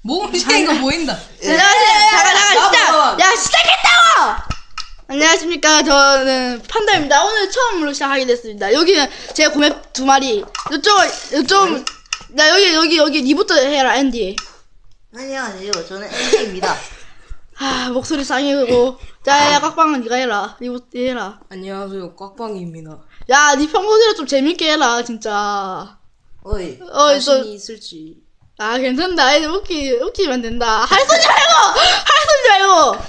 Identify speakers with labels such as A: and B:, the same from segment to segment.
A: 목을 시키는 거 보인다.
B: 잠깐, 시작! 야, 시작했다고! 안녕하십니까. 저는 판다입니다. 오늘 처음으로 시작하게 됐습니다. 여기는 제 고맵 2마리. 나 여기 니부터 해라, 앤디.
C: 안녕하세요. 저는 앤디입니다.
B: 목소리 쌍이고. 자, 야, 깍방은 니가 해라. 니부터 해라.
A: 안녕하세요. 꽉방입니다.
B: 야, 니 평소대로 좀 재밌게 해라, 진짜.
C: 어이.
A: 자신이 있을지.
B: 괜찮다. 애들 웃기면 된다. 할 소리 말고!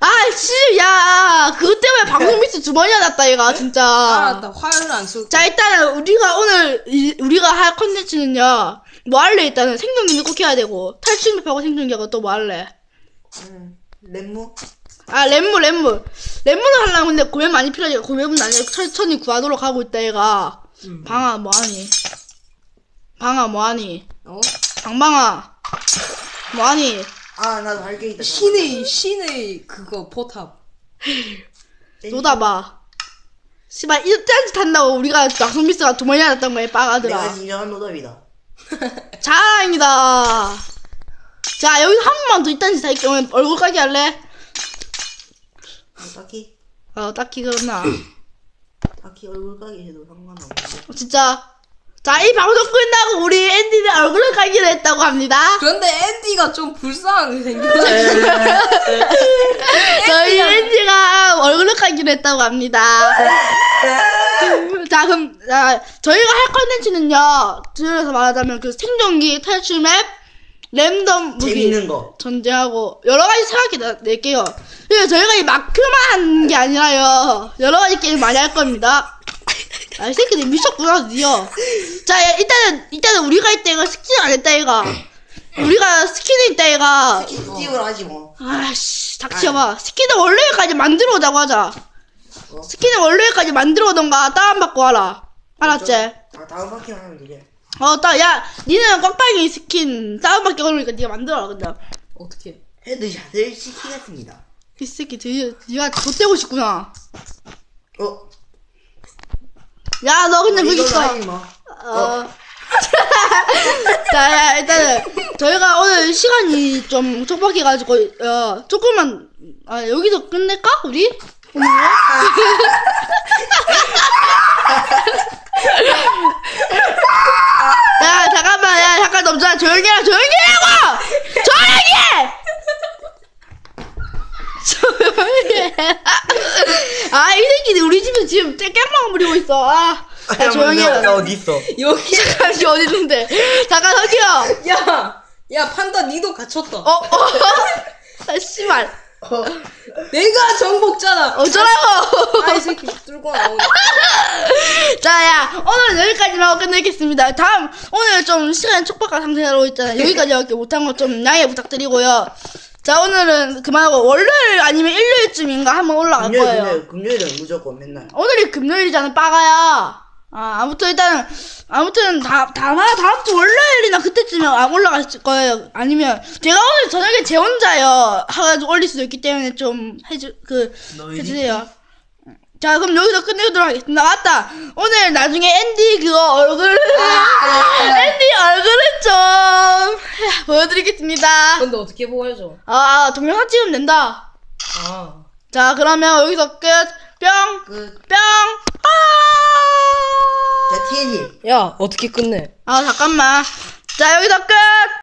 B: 야, 그것 때문에 방송 미스 2번이나 났다, 얘가, 진짜.
A: 알았다. 화요일 안 쏠게.
B: 자, 일단은, 우리가 할 컨텐츠는요, 뭐 할래? 일단은 생존기는 꼭 해야 되고, 탈출맵하고 생존기하고 또 뭐 할래?
C: 렘무?
B: 렘무를 하려면 근데 고맵 많이 필요하지. 고맵은 아니라 천천히 구하도록 하고 있다, 얘가. 방아, 뭐하니? 방방아, 뭐하니?
C: 나도 할 게 있다.
A: 신의 그거 포탑.
B: 노다봐. 씨발, 이딴 짓 한다고 우리가 방송 미스가 2번이나 났던 거야, 빠가들아.
C: 내가 진정한 노답이다.
B: 자랑이다. 자, 여기서 한 번만 더 이딴 짓 할 경우에 얼굴 까기 할래?
C: 딱히
B: 딱히 그렇나.
C: 딱히 얼굴 까기 해도 상관없어.
B: 진짜. 자, 이 방송 끝나고 우리 앤디는 얼굴을 까기로 했다고 합니다.
A: 그런데 앤디가 좀 불쌍하게 생겼어.
B: 저희 앤디가 얼굴을 까기로 했다고 합니다. 자, 그럼, 저희가 할 컨텐츠는요, 들어서 말하자면 그 생존기, 탈출맵, 랜덤 무기,
C: 재밌는 거.
B: 전제하고, 여러가지 생각해낼게요. 그래서 저희가 이 마크만 하는 게 아니라요, 여러가지 게임 많이 할 겁니다. 이 새끼들 미쳤구나, 드디어. 자, 일단은 우리가 할 때가 스킨 안 했다, 얘가. 우리가 스킨이 있다, 얘가.
C: 스킵을 하지 뭐.
B: 닥쳐봐. 스킨을 원래까지 만들어 오자고 하자. 스킨을 원래까지 만들어 오던가 다운받고 와라. 알았지?
C: 다음 바퀴만 하면 되게.
B: 야, 니는 꽉빵이 스킨 다운받기 어려우니까 니가 만들어라, 그냥.
A: 어떻게?
C: 헤드샷을 시키겠습니다.
B: 이 새끼 드디어 니가 좆대고 싶구나. 야, 너 그냥 거기 있어.
C: 하지 마.
B: 자, 야, 일단은 저희가 오늘 시간이 좀 촉박해가지고 조금만 여기서 끝낼까 우리? 오늘? 야, 잠깐만, 잠깐 넘자. 조용히 하라고! 조용히 해! 이 새끼들 우리 집에 지금 깨깨망 부리고 있어. 야, 조용히 해라.
C: 나 어디 있어?
A: 여기.
B: 잠깐, 씨 어디 있는데? 잠깐, 저기요!
A: 야, 판다, 니도 갇혔다.
B: 씨발.
A: 내가 정복자다.
B: 어쩌라고!
A: 이 새끼 뚫고 나오네.
B: 자, 야, 오늘은 여기까지만 하고 끝내겠습니다. 오늘 좀 시간이 촉박한 상태로 있잖아요. 여기까지밖에 못한 거 좀 양해 부탁드리고요. 자, 오늘은 그만하고 월요일 아니면 일요일쯤인가 한번 올라갈 거예요.
C: 금요일은 무조건 맨날.
B: 오늘이 금요일이잖아, 빠가야. 아무튼 다음 주 월요일이나 그때쯤에 올라갈 거예요. 아니면 제가 오늘 저녁에 제 혼자요 해가지고 올릴 수도 있기 때문에 좀 해주세요. 자, 그럼 여기서 끝내도록 하겠습니다. 맞다. 오늘 나중에 앤디 얼굴을 좀 보여드리겠습니다.
A: 근데 어떻게 보여줘?
B: 동영상 찍으면 된다. 자, 그러면 여기서 끝. 뿅.
C: 자, TNT.
A: 야, 어떻게 끝내?
B: 잠깐만. 자, 여기서 끝!